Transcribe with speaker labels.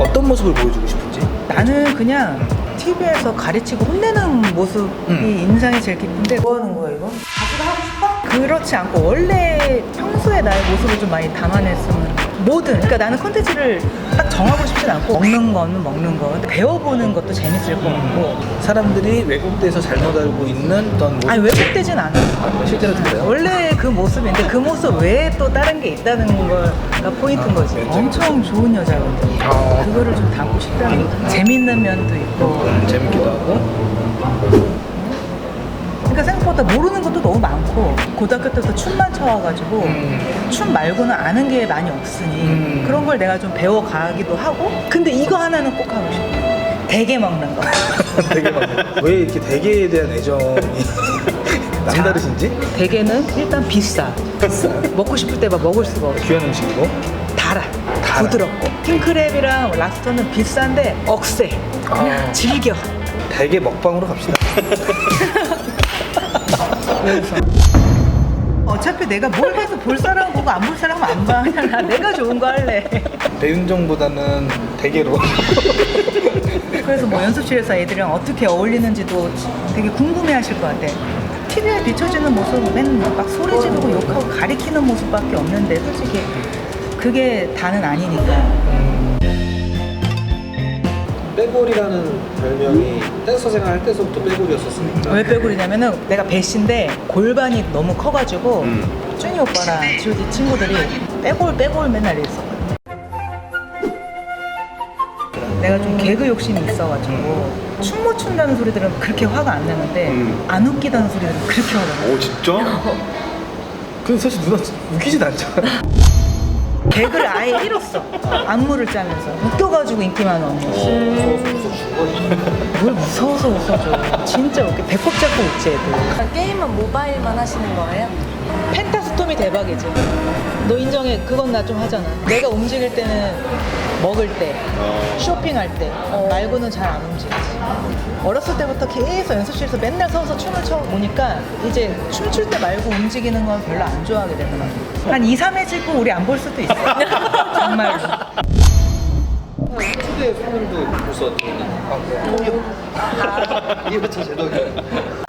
Speaker 1: 어떤 모습을 보여주고 싶은지?
Speaker 2: 나는 그냥 TV에서 가르치고 혼내는 모습이 인상이 제일 깊은데 뭐 하는 거야 이거? 자기가 하고 싶어? 그렇지 않고 원래 평소에 나의 모습을 좀 많이 담아냈으면 뭐든 그러니까 나는 콘텐츠를 딱 정하고 싶진 않고 먹는 거는 먹는 거 배워보는 것도 재밌을 것 같고
Speaker 1: 사람들이 왜곡돼서 잘못 알고 있는 어떤 모습.
Speaker 2: 아니 왜곡되진 않아
Speaker 1: 실제로 그래요?
Speaker 2: 원래 그 모습인데 그 모습 외에 또 다른 게 있다는 거가 포인트인 거지 엄청 좋은 여자거든 그거를 좀 담고 싶다는 거지 재밌는 면도 있고
Speaker 1: 재밌기도 하고.
Speaker 2: 그러니까 생각보다 모르는 것도 너무 많고 고등학교 때부터 춤만 춰와가지고 춤 말고는 아는 게 많이 없으니 그런 걸 내가 좀 배워가기도 하고 근데 이거 하나는 꼭 하고 싶어 대게 먹는 거
Speaker 1: 되게 왜 이렇게 대게에 대한 애정이 남다르신지?
Speaker 2: 대게는 일단 비싸 먹고 싶을 때 막 먹을 수가 없어
Speaker 1: 귀한 음식이고.
Speaker 2: 달아
Speaker 1: 달아.
Speaker 2: 부드럽고 킹크랩이랑 랍스터는 비싼데 억세 그냥 즐겨
Speaker 1: 대게 먹방으로 갑시다.
Speaker 2: 그래서 어차피 내가 뭘 해서 볼 사람 보고 안 볼 사람은 안 봐. 그냥 나 내가 좋은 거 할래.
Speaker 1: 배윤정보다는 대게로.
Speaker 2: 그래서 뭐 연습실에서 애들이랑 어떻게 어울리는지도 되게 궁금해하실 것 같아. TV에 비춰지는 모습은 맨날 막 소리 지르고 욕하고 가리키는 모습밖에 없는데 솔직히 그게 다는 아니니까.
Speaker 3: 빼골이라는 별명이 댄서 생활할 때서부터 빼골이었었으니까.
Speaker 2: 왜 빼골이냐면은 내가 배신데 골반이 너무 커가지고 준이 오빠랑 G.O.D 친구들이 빼골 맨날 이랬었거든. 내가 좀 개그 욕심이 있어가지고 춤 못 춘다는 소리들은 그렇게 화가 안 나는데 안 웃기다는 소리들은 그렇게 화가 나.
Speaker 3: 오 진짜?
Speaker 1: 근데 사실 누나 웃기진 않잖아.
Speaker 2: 개그를 아예 잃었어. 안무를 짜면서 웃겨가지고 인기만 얻는. 뭘 무서워서 웃어줘. 진짜 웃겨. 배꼽 잡고 웃지 애들.
Speaker 4: 게임은 모바일만 하시는 거예요?
Speaker 2: 펜타스톰이 대박이지. 너 인정해. 그건 나 좀 하잖아. 내가 움직일 때는 먹을 때, 쇼핑할 때 말고는 잘 안 움직이지. 어렸을 때부터 계속 연습실에서 맨날 서서 춤을 춰 보니까 이제 춤출 때 말고 움직이는 건 별로 안 좋아하게 되더라고. 한 2, 3회 찍고 우리 안 볼 수도 있어. 정말로.
Speaker 3: 초대 손님도 벌써 통역. 이부터 제동이.